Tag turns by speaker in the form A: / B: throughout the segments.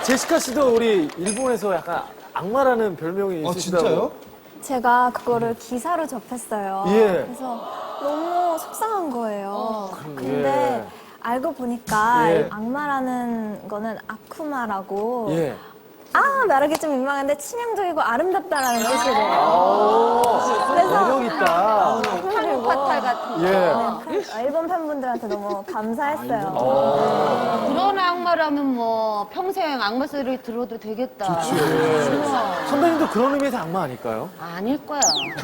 A: 제시카 씨도 우리 일본에서 약간 악마라는 별명이 있으시다고.
B: 진짜요?
C: 제가 그거를 기사로 접했어요.
A: 예.
C: 그래서 너무 속상한 거예요. 근데
A: 예.
C: 알고 보니까
A: 예.
C: 악마라는 거는 아쿠마라고
A: 예.
C: 말하기 좀 민망한데 치명적이고 아름답다라는 뜻이래요.
A: 매력 있다.
D: 파탈 같은 거.
A: 예.
C: 일본 팬분들한테 너무 감사했어요.
D: 그런 악마라면 뭐 평생 악마 소리 들어도 되겠다.
A: 선배님도 그런 의미에서 악마 아닐까요?
D: 아닐 거야.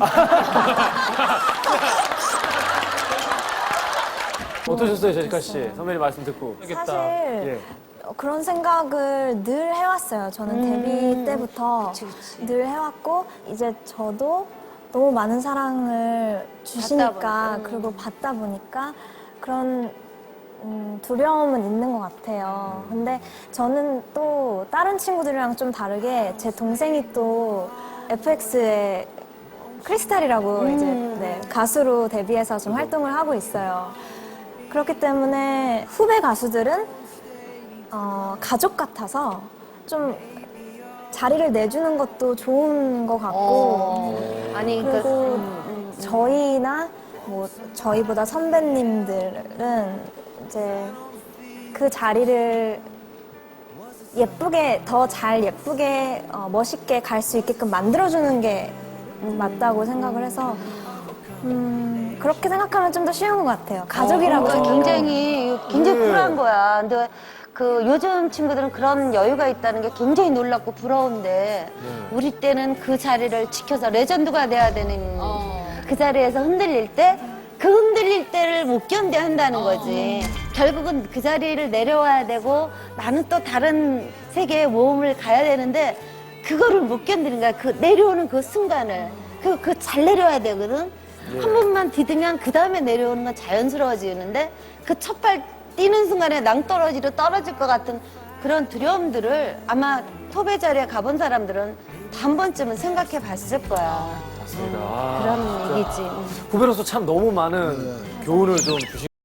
A: 어떠셨어요, 제시카 씨? 선배님 말씀 듣고.
C: 사실
A: 예.
C: 그런 생각을 늘 해왔어요. 저는 데뷔 때부터 늘 해왔고 이제 저도 너무 많은 사랑을 주시니까 그리고 받다 보니까 그런 두려움은 있는 것 같아요. 근데 저는 또 다른 친구들이랑 좀 다르게 제 동생이 또 FX의 크리스탈이라고 이제 네, 가수로 데뷔해서 좀 활동을 하고 있어요. 그렇기 때문에 후배 가수들은 가족 같아서 좀 자리를 내주는 것도 좋은 것 같고
D: 아니,
C: 그리고 저희나 뭐 저희보다 선배님들은 이제 그 자리를 예쁘게 더 잘 예쁘게 멋있게 갈 수 있게끔 만들어주는 게 맞다고 생각을 해서 그렇게 생각하면 좀 더 쉬운 것 같아요. 가족이라고
D: 그러니까
C: 생각하면.
D: 굉장히 쿨한 거야. 근데 그 요즘 친구들은 그런 여유가 있다는 게 굉장히 놀랍고 부러운데 우리 때는 그 자리를 지켜서 레전드가 돼야 되는 그 자리에서 흔들릴 때 그 흔들릴 때를 못 견뎌 한다는 거지. 결국은 그 자리를 내려와야 되고 나는 또 다른 세계의 모험을 가야 되는데 그거를 못 견디는 거야. 그 내려오는 그 순간을. 그 잘 내려와야 되거든. 한 번만 디디면 그 다음에 내려오는 건 자연스러워지는데 그 첫 발 뛰는 순간에 낭떠러지로 떨어질 것 같은 그런 두려움들을 아마 톱의 자리에 가본 사람들은 한 번쯤은 생각해 봤을 거야.
A: 맞습니다.
D: 그런 얘기지.
A: 후배로서 참 너무 많은 교훈을 좀 주신